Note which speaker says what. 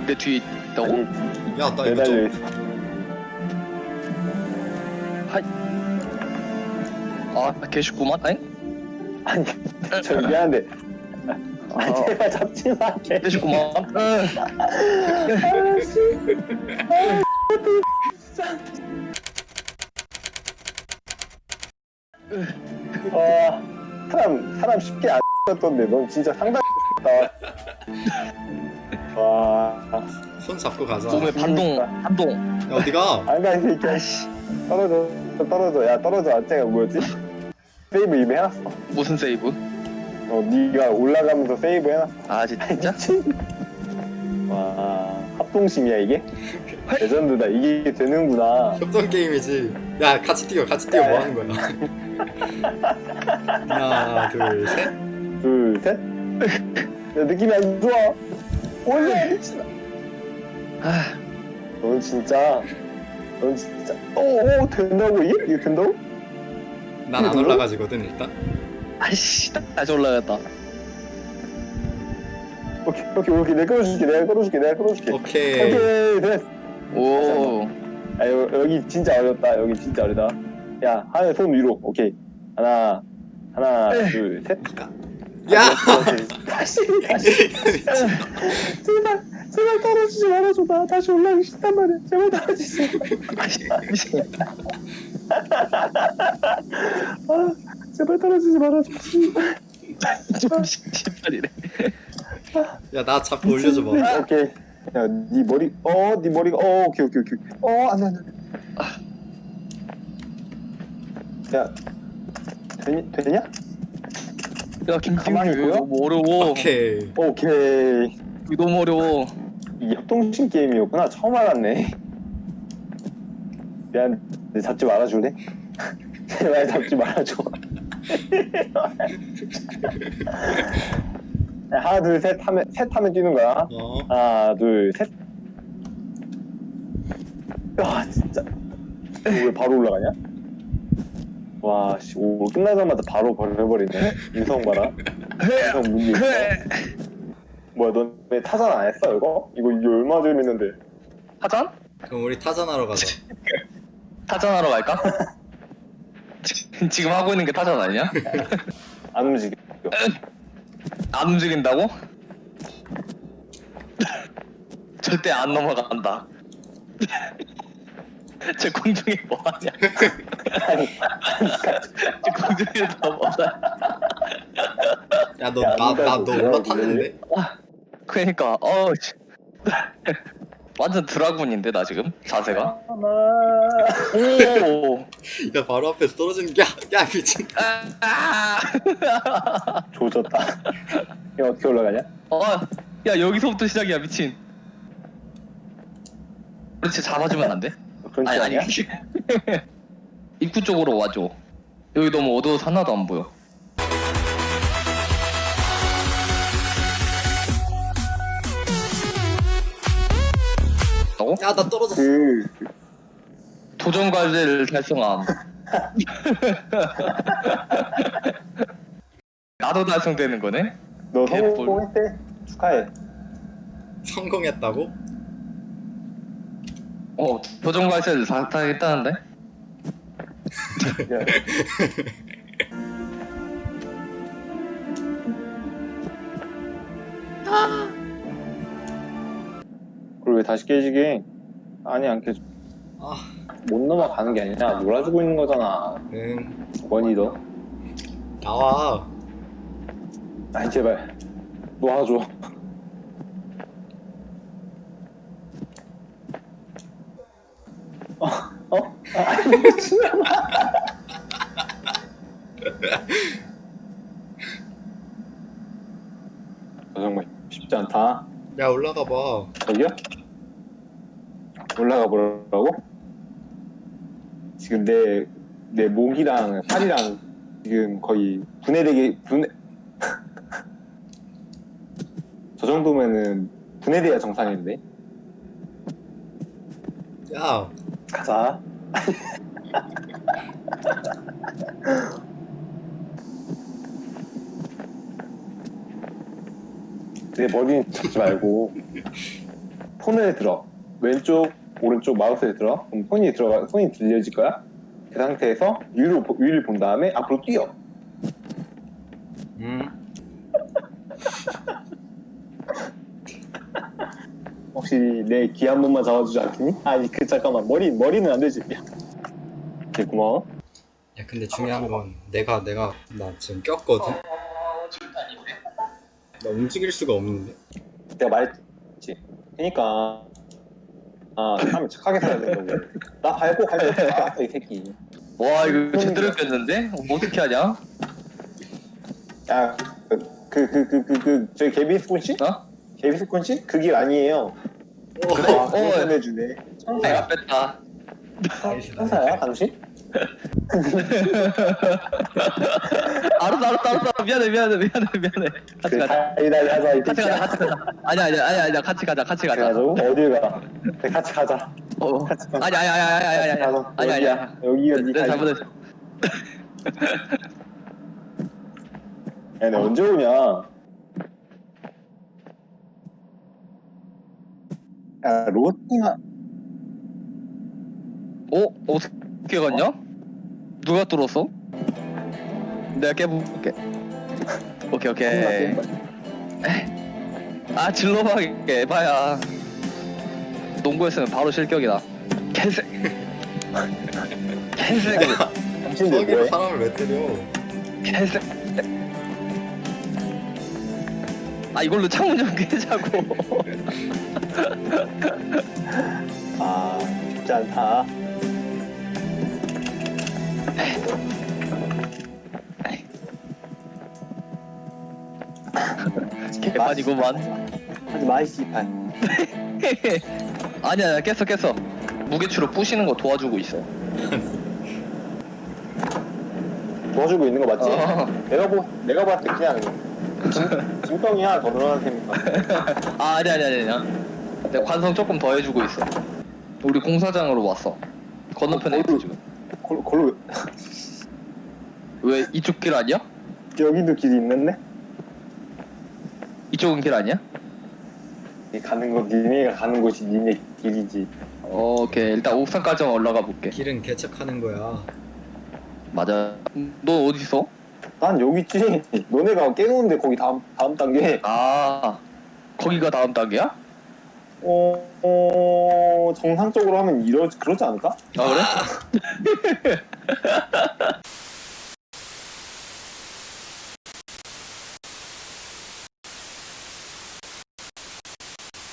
Speaker 1: 내 뒤에 있다고?
Speaker 2: 야, 나 이거
Speaker 3: 매달려
Speaker 2: 좀.
Speaker 3: 있어.
Speaker 1: 아 개쉽구만. 아니?
Speaker 3: 아니 저 미안한데. 아 제발 잡지 마.
Speaker 1: 개쉽구만.
Speaker 3: 사람 쉽게 안 떴던데 넌 진짜 상당히 와
Speaker 2: 손 잡고 가자.
Speaker 1: 몸에 반동.
Speaker 2: 야, 어디가?
Speaker 3: 안가 이 새끼야. 떨어져 야 떨어져. 아째가 뭐였지? 세이브 이미 해놨어.
Speaker 1: 무슨 세이브?
Speaker 3: 네가 올라가면서 세이브 해놨어.
Speaker 1: 아 진짜?
Speaker 3: 와 합동심이야 이게? 레전드다. 이게 되는구나.
Speaker 2: 협동 게임이지. 야, 같이 뛰어, 뭐 하는 거야? 하나, 둘, 셋.
Speaker 3: 둘 셋. 야 느낌이 안 좋아. 올려 미친아. 넌 진짜 된다고 이게? 이게 된다고?
Speaker 2: 난 안 올라가지거든, 일단.
Speaker 1: 아이씨 다시 올라갔다.
Speaker 3: 오케이 내가 끌어줄게.
Speaker 2: 오케이.
Speaker 3: 오케이 됐어.
Speaker 1: 오.
Speaker 3: 아 여기 진짜 어렵다. 야 하늘 손 위로. 오케이 하나 둘 셋.
Speaker 2: 야!
Speaker 3: 다시 제발 떨어지지 말아줘. 나 다시 올라가기 싫단 말이야. 제발 떨어지지 마. 제발 떨어지지 말아줘.
Speaker 1: 좀 씨발이래.
Speaker 3: 아,
Speaker 2: 야, 나 잡고 올려줘봐.
Speaker 3: 오케이. 야, 네 머리, 네 머리가, 오케이. 안 돼. 야, 되냐?
Speaker 1: 야
Speaker 3: 가만히
Speaker 1: 김진규
Speaker 3: 보여?
Speaker 1: 너무 어려워.
Speaker 2: 오케이.
Speaker 3: 오케이.
Speaker 1: 이거 너무 어려워.
Speaker 3: 이 협동심 게임이었구나. 처음 알았네. 미안, 내 잡지 말아줄래? 제발 잡지 말아줘. 야, 하나, 둘, 셋 하면 뛰는 거야. 하나, 둘, 셋. 와, 진짜. 왜 바로 올라가냐? 와, 씨, 오, 끝나자마자 바로 버려버리네. 인성 봐라. 인성 문제 있어. 뭐야, 넌 왜 타잔 안 했어, 이거? 이거 얼마 재밌는데.
Speaker 1: 타잔?
Speaker 2: 그럼 우리 타잔하러 가자.
Speaker 1: 타잔하러 갈까? 지금 하고 있는 게 타잔 아니냐?
Speaker 3: 안 움직여.
Speaker 1: 안 움직인다고? 절대 안 넘어간다. 저 공중에 뭐하냐? 저 공중에서 뭐하냐?
Speaker 2: 야, 너 올라탔는데?
Speaker 1: 그러니까 완전 드라군인데 나 지금 자세가. 오.
Speaker 2: 야, 바로 앞에서 떨어지는 게, 야, 미친.
Speaker 3: 조졌다. 이거 어떻게 올라가냐?
Speaker 1: 야 여기서부터 시작이야 미친. 그렇지 잡아주면 안 돼?
Speaker 3: 그런 거 아니야?
Speaker 1: 입구 쪽으로 와줘. 여기 너무 어두워서 하나도 안 보여.
Speaker 2: 야, 나 떨어졌어.
Speaker 1: 도전 과제를 달성함. 나도 달성되는 거네?
Speaker 3: 너
Speaker 1: 개뿔.
Speaker 3: 성공했대? 축하해.
Speaker 2: 성공했다고?
Speaker 1: 도전 과제를 다 했다는데?
Speaker 3: 야. 그걸 왜 다시 깨지게? 아니 안 깨져. 못 넘어가는 게 아니라 놀아주고 있는 거잖아.
Speaker 2: 응.
Speaker 3: 원이 너.
Speaker 2: 나와.
Speaker 3: 아니 제발 놓아줘. 아니 미친놈아. 정말 쉽지 않다.
Speaker 2: 야, 올라가 봐.
Speaker 3: 저기요? 올라가 보라고? 지금 내 목이랑 팔이랑 지금 거의 저 정도면은 분해돼야 정상인데.
Speaker 2: 야,
Speaker 3: 가자. 내 머리는 잡지 말고 손을 들어. 왼쪽, 오른쪽 마우스를 들어. 그럼 손이 들려질 거야. 그 상태에서 위를 본 다음에 앞으로 뛰어. 혹시 내 귀 한 번만 잡아주지 않겠니? 아니 잠깐만 머리는 안 되지. 야. 네, 고마워.
Speaker 2: 야 근데 중요한 건 내가 나 지금 꼈거든. 나 움직일 수가 없는데.
Speaker 3: 내가 말했지. 그러니까 사람이 착하게 살아야 된다고. 나 밟고 이 새끼.
Speaker 1: 와 이거 제대로 꼈는데? 어떻게 하냐?
Speaker 3: 야, 저기 개비스콘씨?
Speaker 1: 어?
Speaker 3: 개비스콘씨? 그 길 아니에요.
Speaker 1: 그래?
Speaker 3: 보내주네.
Speaker 1: 내가 뺐다.
Speaker 3: 천사야, 당신?
Speaker 1: 알았어. 미안해. 같이 가자.
Speaker 3: 하자, 이
Speaker 1: 같이
Speaker 3: 새끼야.
Speaker 1: 가자. 아니야. 같이 가자.
Speaker 3: 가자고? 어딜 가? 그래, 같이 가자.
Speaker 1: 아니야.
Speaker 3: 여기가
Speaker 1: 내가 잘못했어.
Speaker 3: 야, 너 언제 오냐? 야, 로팅아.
Speaker 1: 어떻게 갔냐? 누가 뚫었어? 내가 깨볼게. 오케이. 질러봐 에바야. 농구했으면 바로 실격이다. 개새.
Speaker 3: 당신들
Speaker 2: 저기로
Speaker 3: 뭐해?
Speaker 2: 사람을 왜 때려?
Speaker 1: 개새. 이걸로 창문 좀 깨자고.
Speaker 3: 쉽지 않다.
Speaker 1: 개판이구만.
Speaker 3: 하지 마, 씨발.
Speaker 1: 아니야 깼어. 무게추로 부시는 거 도와주고 있어.
Speaker 3: 도와주고 있는 거 맞지?
Speaker 1: 어.
Speaker 3: 내가 봤을 때 그냥 짐덩이 하나 더 늘어난 셈이니까.
Speaker 1: 아니야. 내가 관성 조금 더 해주고 있어. 우리 공사장으로 왔어. 건너편에 있어 지금.
Speaker 3: 걸로
Speaker 1: 왜 이쪽 길 아니야?
Speaker 3: 여기도 길이 있는데?
Speaker 1: 이쪽은 길 아니야?
Speaker 3: 니네가 가는 곳이 니네 길이지.
Speaker 1: 오케이 일단 옥상까지만 올라가 볼게.
Speaker 2: 길은 개척하는 거야.
Speaker 1: 맞아. 너 어디 있어?
Speaker 3: 난 여기 있지. 너네가 깨놓은데 거기 다음 단계.
Speaker 1: 거기가 다음 단계야?
Speaker 3: 정상적으로 하면 그러지 않을까?
Speaker 1: 그래?